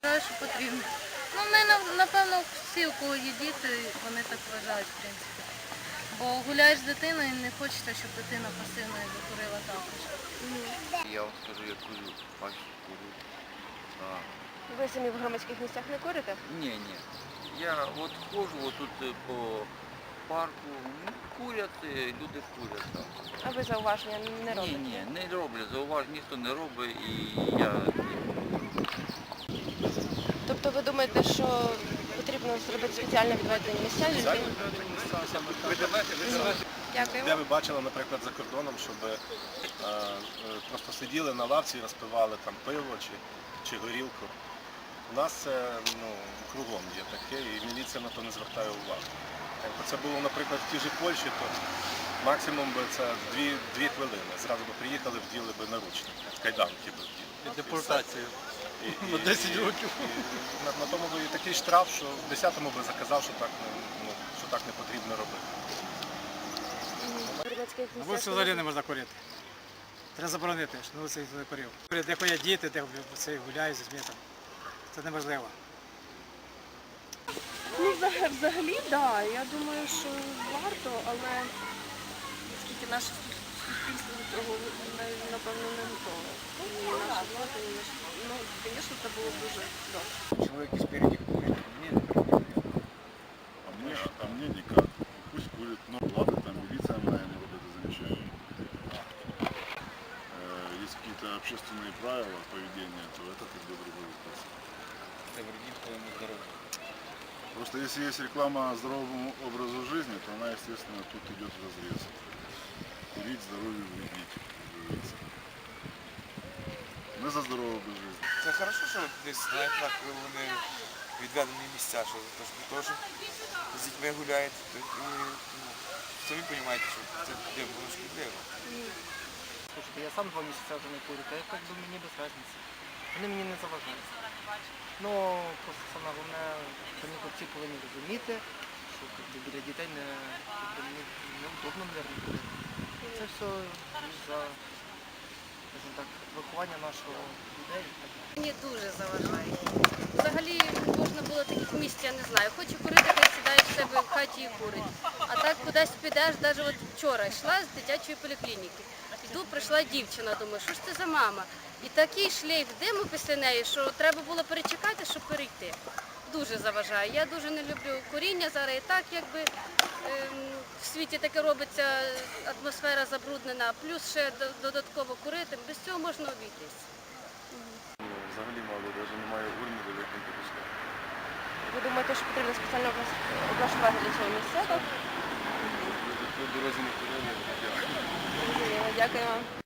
Вважаю, що потрібно. Ну, ми, напевно, всі, у кого є діти, вони так вважають, в принципі. Бо гуляєш з дитиною і не хочеться, щоб дитина пасивно курила також. Я вам скажу, я курю, бачу, курю. Ви самі в громадських місцях не курите? Ні. Я от ходжу отут по парку, курять, люди курять там. А ви зауваження не робите? Ні, не роблять, зауважень ніхто не робить і я... Тобто ви думаєте, що потрібно зробити спеціально відведені місця людям? Дякуємо. Де ви бачили, наприклад, за кордоном, щоб просто сиділи на лавці і розпивали там пиво чи горілку. У нас це кругом є таке, і міліція на то не звертає увагу. Якби це було, наприклад, в тій же Польщі, то максимум би це 2 хвилини. Зразу би приїхали, вділи би наручники, кайданки би вділи. Депортацію. На 10 років. На тому би і такий штраф, що в 10-му би заказав, що так не потрібно робити. На вулиці взагалі не можна курити. Треба заборонити, що на вулиці ніхто не курив. Де ходять діти, де гуляють з дітьми. Це неможливо. Ну, взагалі, так. Я думаю, що варто, але оскільки наше суспільство до цього, напевно, не готове. І наша влада, ну, звісно, це було б дуже добре. Человек спереди курит, мне это прикольно. А мне никак. Пусть курит, но ладно, там милиция моя не вот это замечает. Есть какие-то общественные правила поведения, то это тогда другой вопрос. Это вредит твоему здоровью. Просто если есть реклама здоровому образу жизни, то она, естественно, тут идет вразрез. Курить здоровью вредить, как говорится. Мы за здоровый образ жизни. Це хорошо, що десь знають, так вони відведені місця, що теж з дітьми гуляють. І, самі розумієте, що це воно шкідливо. Слушайте, я сам 2 месяца уже не курю, то как бы мне без разницы. Вони мені не заважають. Ну, просто саме головне, самі хлопці повинні розуміти, що біля дітей неудобно, мабуть, курити. Це все за, скажімо так, виховання нашого людей. Мені дуже заважає. Взагалі можна було таких місць, я не знаю. Хочу курити, хай сідає в себе в хаті і курить. А так кудись підеш, навіть от вчора йшла з дитячої поліклініки. Іду, прийшла дівчина, думаю, що ж це за мама? І такий шлейф диму після неї, що треба було перечекати, щоб перейти. Дуже заважає. Я дуже не люблю куріння зараз і так, якби в світі таке робиться, атмосфера забруднена, плюс ще додатково курити, без цього можна обійтись. Взагалі мало, навіть немає урни, де як не допускати. Ви думаєте, що потрібно спеціально облаштувати для цього місця? Так? По дорозі не курили, Дякую вам.